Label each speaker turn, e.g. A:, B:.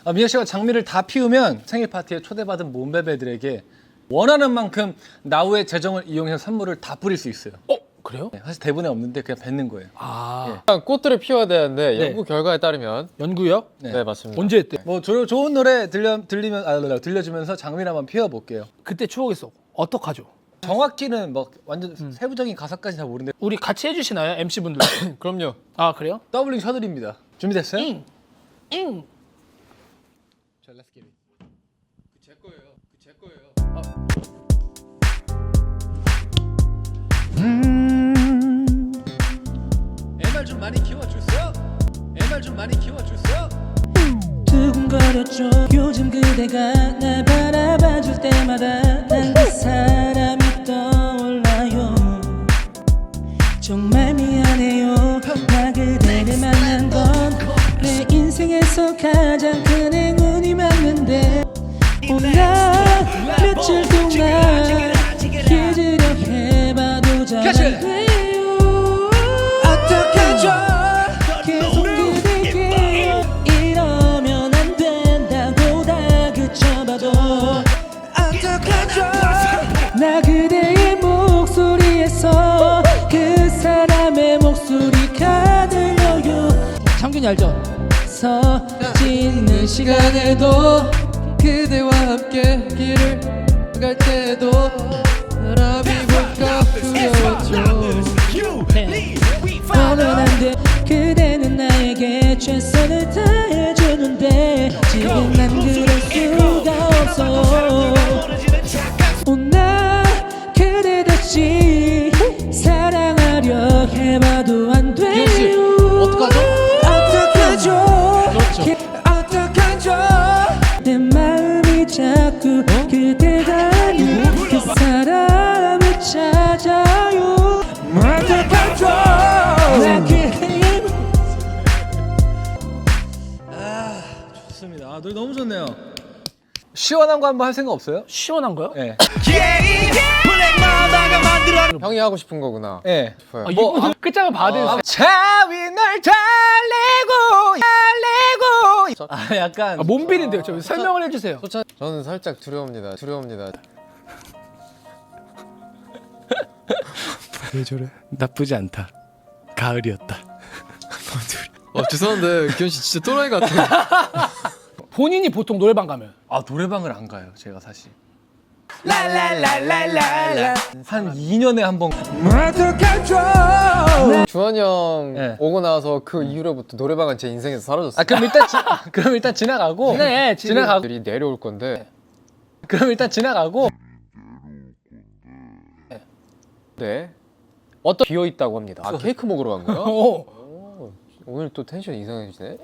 A: 미혁 씨가 장미를 다 피우면 생일 파티에 초대받은 몸베베들에게 원하는 만큼 나우의 재정을 이용해서 선물을 다 뿌릴 수 있어요.
B: 그래요?
A: 네, 사실 대본에 없는데 그냥 뱉는 거예요.
C: 일단 꽃들을 피워야 되는데
B: 네.
C: 연구 결과에 따르면
B: 연구요?
C: 네, 맞습니다.
B: 언제 했대?
A: 뭐 좋은 노래 들려주면서 장미를 한번 피워볼게요.
B: 그때 추억했어. 어떡하죠?
A: 정확히는 뭐 완전 세부적인 가사까지 잘 모르는데
B: 우리 같이 해주시나요? MC분들.
C: 그럼요.
B: 아 그래요?
A: 더블링 셔들입니다. 준비됐어요?
B: 잉.
A: 자, let's get it.
C: 제 거예요. 제 거예요.
A: 애말 좀 많이 키워주세요. 애말 좀 많이 키워주세요.
D: 두근거렸죠. 요즘 그대가 날 바라봐줄 때마다 난 그 사람이 떠올라요. 정말 미안해요. 나 그대를 만난 건 내 인생에서 가장 큰 행운이 맞는데 나 며칠 동안 잊으려 해봐도 잘 안 돼요. 어떡하죠? 계속 그대께 이러면 안 된다고 다그쳐봐도 어떡하죠? 나 그대의 목소리에서 그 사람의 목소리가 들려요. 창균이 알죠? 서짓는 시간에도
C: 그대와 함께 길을 갈 때도 사람이 볼까 두려웠죠.
D: 오늘 안돼. 그대는 나에게 최선을 다해주는데 지금 난 그럴 수가 없어요. 나 그대 다시 사랑하려 해봐도 안 돼요.
C: 어떡하죠?
D: 어떡하죠? 내 마음이 자꾸 그대가 아닌 그 사람을 찾아요. 어떡하죠? 나 그대의
A: 좋습니다. 노래 너무 좋네요. 시원한 거 한번 할 생각 없어요?
B: 시원한 거요?
A: 네.
C: 형이 하고 싶은 거구나.
A: 네.
C: 싶어요.
B: 이분 끝장을 받은
A: 차위 널 달래고 약간
B: 몸빌인데요. 좀 설명을 해주세요.
C: 저는 살짝 두려웁니다. 두려웁니다.
E: 나쁘지 않다. 가을이었다.
C: 죄송한데 기현 씨 진짜 또라이 같아.
B: 본인이 보통 노래방 가면
A: 노래방을 안 가요. 제가 사실. 한 2년에 한 번.
C: 주원이 형
A: 네.
C: 오고 나서 그 이후로부터 노래방은 제 인생에서 사라졌어요.
A: 그럼 일단 지나가고. 지나가고.
C: 들이 내려올 건데.
A: 그럼 일단 지나가고.
C: 네. 어떤 비어 있다고 합니다. 케이크 먹으러 간 거야?
B: 오.
C: 오늘 또 텐션 이상해지네.